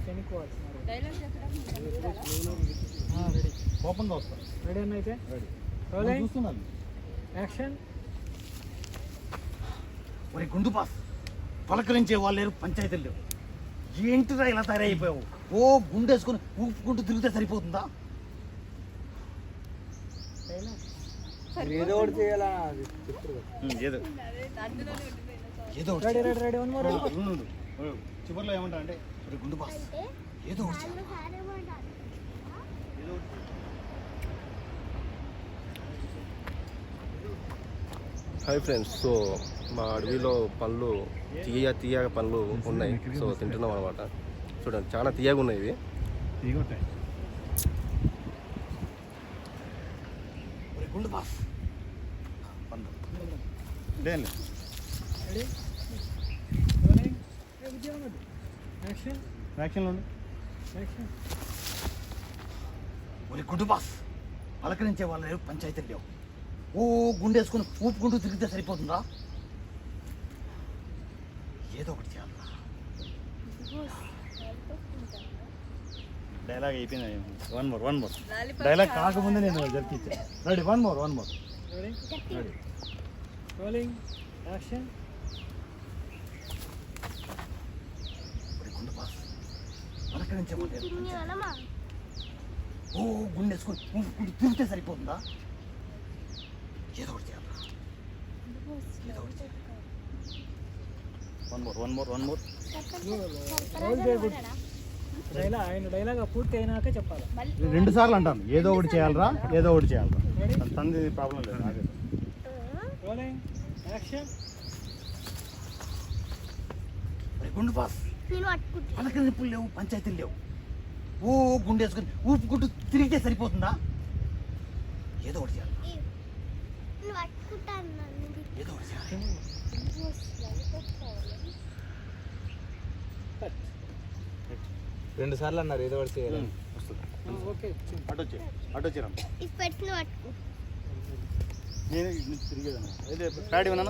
Ready కోపంగా వస్తాను. Ready అన్న అయితే రెడీ చూస్తున్నాను. యాక్షన్. ఒరే గుండు పాస్, పలకరించే వాళ్ళు లేరు, పంచాయతీలు లేవు. ఏంటిరా ఇలా తయారైపోయావు? ఓ గుండేసుకొని ఊపుకుంటూ తిరిగితే సరిపోతుందా? ఏదో ఒకటి చేయాలా? ఏదో ready ready ready. One more. చివరిలో ఏమంటా అంటే ఒరే గుండు పాస్ ఏదో ఒకటి చేయాలి. హాయ్ ఫ్రెండ్స్, సో మా అడవిలో పళ్ళు తీయగా పళ్ళు ఉన్నాయి. సో తింటున్నాం అనమాట. చూడండి, చాలా తీయగా ఉన్నాయి ఇవి. గుండు పాస్ ఒరే గుండు పాస్, పలకరించే వాళ్ళు లేరు, పంచాయతీలు లేవు. ఓ గుండేసుకుని ఊపుకుంటూ తిరిగితే సరిపోతుందా? ఏదో ఒకటి చేయాలి. డైలాగ్ అయిపోయింది. వన్ మోర్ డైలాగ్ కాకముందే నేను జరిపించా. Ready. One more ready ready. Rolling. Action. గుండు పాస్, పలకరించే వాళ్ళు లేరు, ఓ గుండేసుకుని ఊపుకుంటూ తిరిగితే సరిపోతుందా? ఏదో ఒకటి చేయాలి. వన్ మోర్ రోల్ చేయకూడదు. ఆయన డైలాగ్ పూర్తి అయినాక చెప్పాలి. 2 సార్లు అంటాను. ఏదో ఒకటి చేయాలరా, ఏదో ఒకటి చేయాలరా. తంది ప్రాబ్లం లేదు. రోలింగ్. యాక్షన్. గుండు పాస్, పలకరింపులు లేవు, పంచాయతీలు లేవు. ఓ గుండేసుకుని ఊపుకుంటూ తిరిగితే సరిపోతుందా? ఏదో ఒకటి చేయాలి. ఏదో ఒకటి చేయాలి. 2 సార్లు అన్నారు ఏదో ఒకటి చేయాలి. ఓకే. అటు వచ్చేరా. నేను తిరిగేదన్నా. అయితే ప్యాడ్ ఇవ్వనా?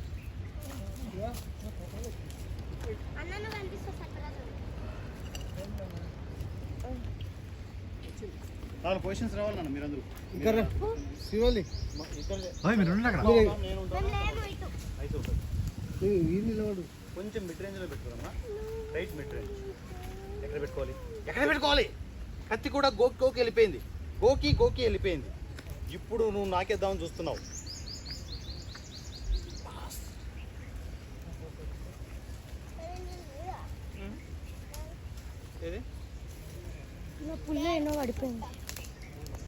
నాలుగు పొజిషన్స్ రావాలి నాన్న మీరందరూ. ఇక్కడ శివాలి మీరు ఉండండి అక్కడ. కొంచెం మిడ్ రేంజ్లో పెట్టుకోరమ్మా. Right mid range. ఎక్కడ పెట్టుకోవాలి? కత్తి కూడా గోకి వెళ్ళిపోయింది. గోకి వెళ్ళిపోయింది. ఇప్పుడు నువ్వు నాకేద్దామని చూస్తున్నావు. పుల్ల ఎన్నో పడిపోయింది.